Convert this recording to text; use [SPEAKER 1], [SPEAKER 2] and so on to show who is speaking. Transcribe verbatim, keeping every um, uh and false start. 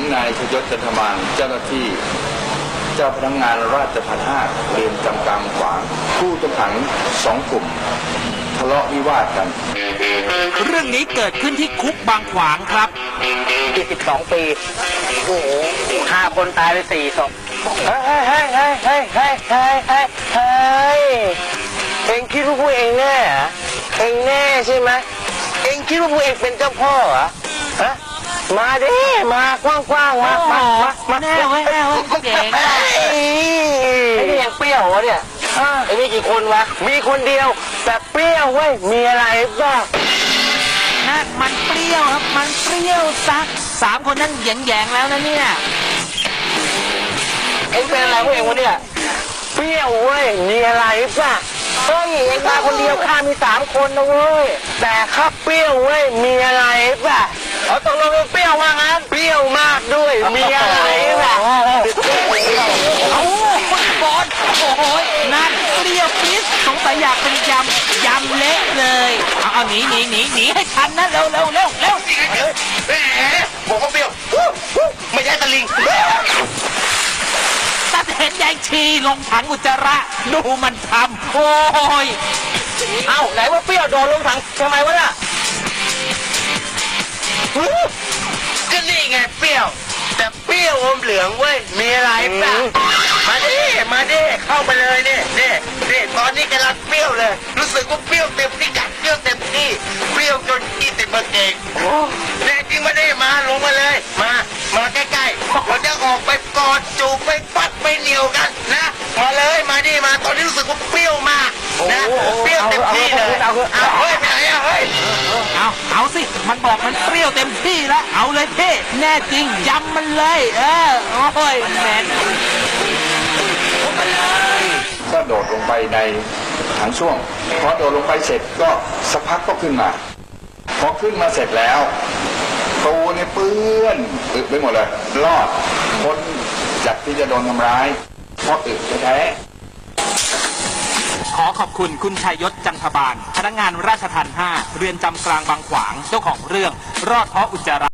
[SPEAKER 1] นายชยศ จันทมานเจ้าหน้าที่เจ้าพนักงานราชทัณฑ์ห้าเรือนจำกลางขวางผู้ต้องขังสองกลุ่มทะเลาะวิวาทกัน
[SPEAKER 2] เรื่องนี้เกิดขึ้นที่คุกบางขวางครับ
[SPEAKER 3] ยี่สิบสองปีโอ้โหฆ่าคนตายไปสี่ศพเฮ้ยเฮ้ยเฮ้ยเฮ้ยเฮ้ยเฮ้ยเฮ้ยเฮ้ยเองคิดว่าพวกเองแน่เหรอเองแน่ใช่ไหมเองคิดว่าพวกเองเป็นเจ้าพ่อเหรอฮะมาดิมากว้างๆมามามาแน่เว้ยแน่เว้ยเก่งไอ้นี่ยังเปรี้ยววะเนี่ยไอ้นี่กี่คนวะมีคนเดียวแต่เปรี้ยวเว้ยมีอะไรบ้าง
[SPEAKER 2] นั่นมันเปรี้ยวครับมันเปรี้ยวซักสามคนนั้นแยงๆแล้วนะเนี่ย
[SPEAKER 3] เอ็งเป็นอะไรพวกเองวะเนี่ยเปรี้ยวเว้ยมีอะไรบ้างเฮ้ยเอ็งมาคนเดียวข้ามีสามคนนะเว้ยแต่ข้าเปรี้ยวเว้ยมีอะไรบ้างเอาตกลงเปรี้ยวว่างั้นเปรี้ยวมากด้วยมีอะไรบ้าง
[SPEAKER 2] เอาคุณบอลโอ้ยนั่นเปรี้ยวปิ๊ดสงสัยอยากเป็นยำยำเละเลยเอาเอาหนีหนีหนีหนีให้ทันนะเร็วเร็วเร็วเร็ว
[SPEAKER 3] แหมบอกว่าเปรี้ยวไม่ใช่ตะลิง
[SPEAKER 2] ตัดเห็นยายชีลงถังอุจจาระดูมันทำโอ้ย
[SPEAKER 3] เอ้าไหนว่าเปรี้ยวโดนลงถังทำไมวะน่ะก็นี่ไงเปรี้ยวแต่เปรี้ยวอมเหลืองเว้ยมีอะไรป่ะมาดิมาดิเข้าไปเลยนี่นี่นี่ตอนนี้กำลังเปรี้ยวเลยรู้สึกว่าเปรี้ยวเต็มที่กัดเปรี้ยวเต็มที่เปรี้ยวจนขี้ติดมาเก่งแน่จริงมาดิมาลงมาเลยมามาใกล้ๆเราจะออกไปกอดจูบไปปัดไปเหนียวกันนะมาเลยมาดิมาตอนนี้รู้สึกว่าเปรี้ยวมากนะเปรี้ยวเต็มที่เลยเอาเฮ้ยไปไหนอะเฮ้ย
[SPEAKER 2] เอาเอาสิมันบอกมันเปรี้ยวเต็มที่แล้วเอาเลยพี่แน่จริงยำมันเลยเออโอ้ยแมน
[SPEAKER 1] ก็โดดลงไปในถังส้วมพอโดดลงไปเสร็จก็สักพักก็ขึ้นมาพอขึ้นมาเสร็จแล้วตัวเนี่ยเปื้อนอึไปหมดเลยรอดพ้นจากที่จะโดนทำร้ายเพราะอึแท้
[SPEAKER 2] ขอขอบคุณคุณชัยยศ จันทบาลพนักงานราชทัณฑ์ห้าเรือนจำกลางบางขวางเจ้าของเรื่องรอดเพราะอุจจาระ